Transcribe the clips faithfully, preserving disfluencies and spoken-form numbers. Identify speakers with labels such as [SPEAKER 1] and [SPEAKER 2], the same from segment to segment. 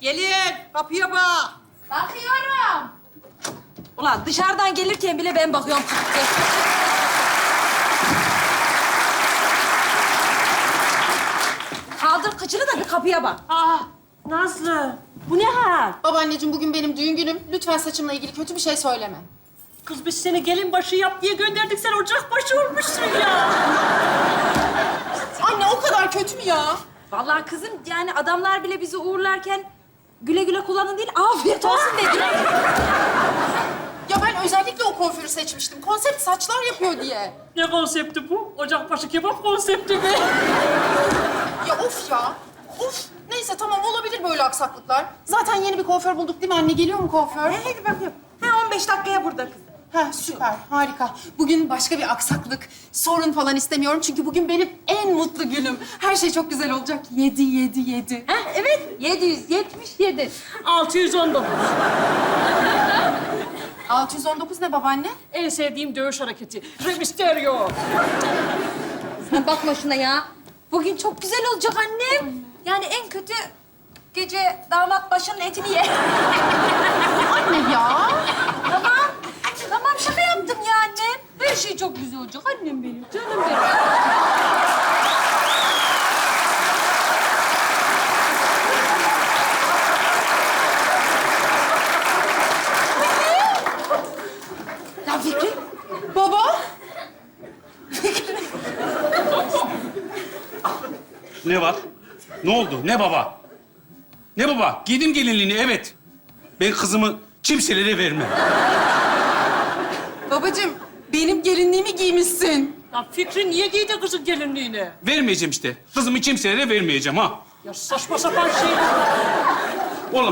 [SPEAKER 1] Gelin, kapıya bak.
[SPEAKER 2] Bakıyorum.
[SPEAKER 3] Ulan dışarıdan gelirken bile ben bakıyorum. Kaldır kıçını da bir kapıya bak.
[SPEAKER 1] Aa, Nazlı, bu ne hal?
[SPEAKER 2] Babaanneciğim bugün benim düğün günüm. Lütfen saçımla ilgili kötü bir şey söyleme.
[SPEAKER 1] Kız biz seni gelin başı yap diye gönderdik, sen ocak başı olmuşsun ya.
[SPEAKER 2] Anne o kadar kötü mü ya?
[SPEAKER 3] Vallahi kızım yani adamlar bile bizi uğurlarken güle güle kullanın değil, afiyet olsun dedi.
[SPEAKER 2] Ya ben özellikle o kuaförü seçmiştim. Konsept saçlar yapıyor diye.
[SPEAKER 1] Ne konsepti bu? Ocak başı kebap konsepti mi?
[SPEAKER 2] Ya of ya. Of. Neyse tamam olabilir böyle aksaklıklar. Zaten yeni bir kuaför bulduk değil mi anne? Geliyor mu kuaför?
[SPEAKER 3] Hadi bakayım. Ha on beş dakikaya burada kızım.
[SPEAKER 2] Ha süper, harika. Bugün başka bir aksaklık, sorun falan istemiyorum. Çünkü bugün benim en mutlu günüm. Her şey çok güzel olacak. Yedi, yedi, yedi.
[SPEAKER 3] Ha evet yedi yüz yetmiş yedi.
[SPEAKER 1] altı yüz on dokuz.
[SPEAKER 2] altı yüz on dokuz ne babaanne?
[SPEAKER 1] En sevdiğim dövüş hareketi. Rey Mysterio.
[SPEAKER 3] Sen bakma şuna ya. Bugün çok güzel olacak annem. Yani en kötü gece damat başının etini ye.
[SPEAKER 2] Anne ya.
[SPEAKER 3] Tamam. Tamam şaka yaptım ya annem. Her şey çok güzel olacak annem benim. Canım benim. Ya Fikri.
[SPEAKER 2] Baba.
[SPEAKER 4] Ne var? Ne oldu? Ne baba? Ne baba? Giydim gelinliğini, evet. Ben kızımı kimselere vermem.
[SPEAKER 2] Babacığım benim gelinliğimi giymişsin.
[SPEAKER 1] Ya Fikri niye giydi kızın gelinliğini?
[SPEAKER 4] Vermeyeceğim işte. Kızımı kimselere vermeyeceğim ha.
[SPEAKER 1] Ya saçma sapan şey.
[SPEAKER 4] Oğlum,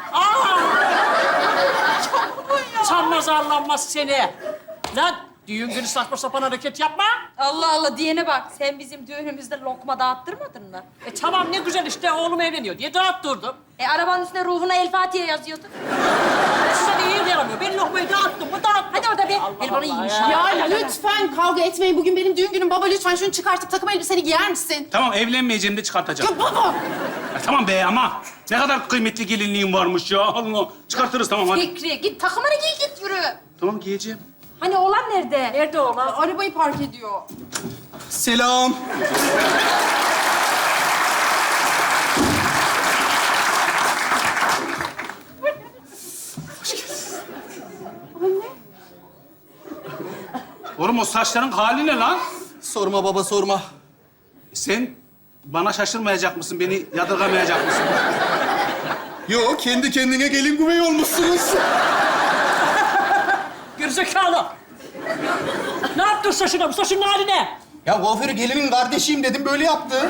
[SPEAKER 1] Sanmaz arlanmaz seni. Lan düğün günü saçma sapan hareket yapma.
[SPEAKER 3] Allah Allah diyene bak. Sen bizim düğünümüzde lokma dağıttırmadın mı?
[SPEAKER 1] E tamam ne güzel işte oğlum evleniyor diye dağıttırdım.
[SPEAKER 3] E arabanın üstüne ruhuna El Fatiha yazıyordu.
[SPEAKER 1] Size de iyi yaramıyor. Ben lokmayı dağıttım mı dağıttım.
[SPEAKER 3] Hadi orada bir
[SPEAKER 1] Allah
[SPEAKER 3] helvanı
[SPEAKER 1] Allah
[SPEAKER 3] yiyeyim
[SPEAKER 1] ya.
[SPEAKER 3] şimdi.
[SPEAKER 2] Ya lütfen kavga etmeyin. Bugün benim düğün günüm. Baba lütfen şunu çıkartıp takım elbiseni giyer misin?
[SPEAKER 4] tamam evlenmeyeceğim de çıkartacağım.
[SPEAKER 2] Ya baba.
[SPEAKER 4] Ya tamam be ama ne kadar kıymetli gelinliğim varmış ya. Allah. Çıkartırız tamam hadi.
[SPEAKER 3] Fikri git takımını giy git yürü.
[SPEAKER 4] Tamam giyeceğim.
[SPEAKER 3] Hani oğlan nerede?
[SPEAKER 1] Nerede oğlan?
[SPEAKER 2] Arabayı park ediyor.
[SPEAKER 5] Selam.
[SPEAKER 4] Oğlum o saçların hali ne lan?
[SPEAKER 5] Sorma baba sorma.
[SPEAKER 4] Sen bana şaşırmayacak mısın? Beni yadırgamayacak mısın?
[SPEAKER 5] Yo kendi kendine gelin güvey olmuşsunuz.
[SPEAKER 1] Gerizekalı. Ne yaptın saçına? Bu saçın hali ne?
[SPEAKER 5] Ya kuaförü gelinin kardeşiyim dedim böyle yaptı.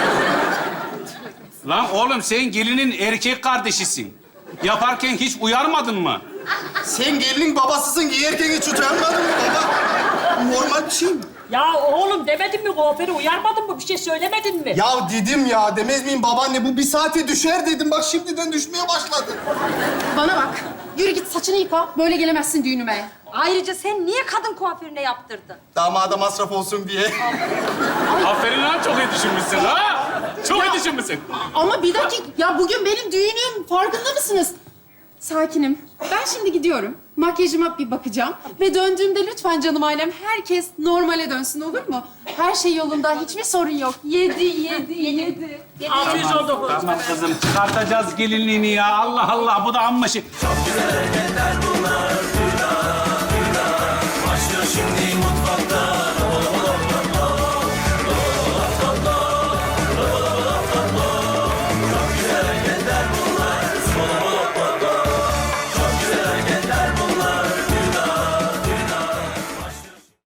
[SPEAKER 4] Lan oğlum sen gelinin erkek kardeşisin. Yaparken hiç uyarmadın mı?
[SPEAKER 5] Sen gelinin babasısın giyerken hiç utanmadın mı baba? Normal bir şey mi?
[SPEAKER 1] Ya oğlum demedin mi kuaförü? Uyarmadın mı? Bir şey söylemedin mi?
[SPEAKER 5] Ya dedim ya demez miyim babaanne bu bir saate düşer dedim. Bak şimdiden düşmeye başladı.
[SPEAKER 2] Bana bak. Yürü git saçını yıka. Böyle gelemezsin düğünüme.
[SPEAKER 3] Ayrıca sen niye kadın kuaförüne yaptırdın?
[SPEAKER 5] Damada masraf olsun diye.
[SPEAKER 4] Aferin lan çok iyi düşünmüşsün ha. Çok iyi düşünmüşsün.
[SPEAKER 2] Ama bir dakika. Ya bugün benim düğünüm. Farkında mısınız? Sakinim. Ben şimdi gidiyorum. Makyajıma bir bakacağım. Ve döndüğümde lütfen canım ailem herkes normale dönsün olur mu? Her şey yolunda. Hiçbir sorun yok. Yedi, yedi, yedi.
[SPEAKER 1] altı yüz on dokuz.
[SPEAKER 4] Tamam kızım çıkartacağız gelinliğini ya. Allah Allah bu da amma şey.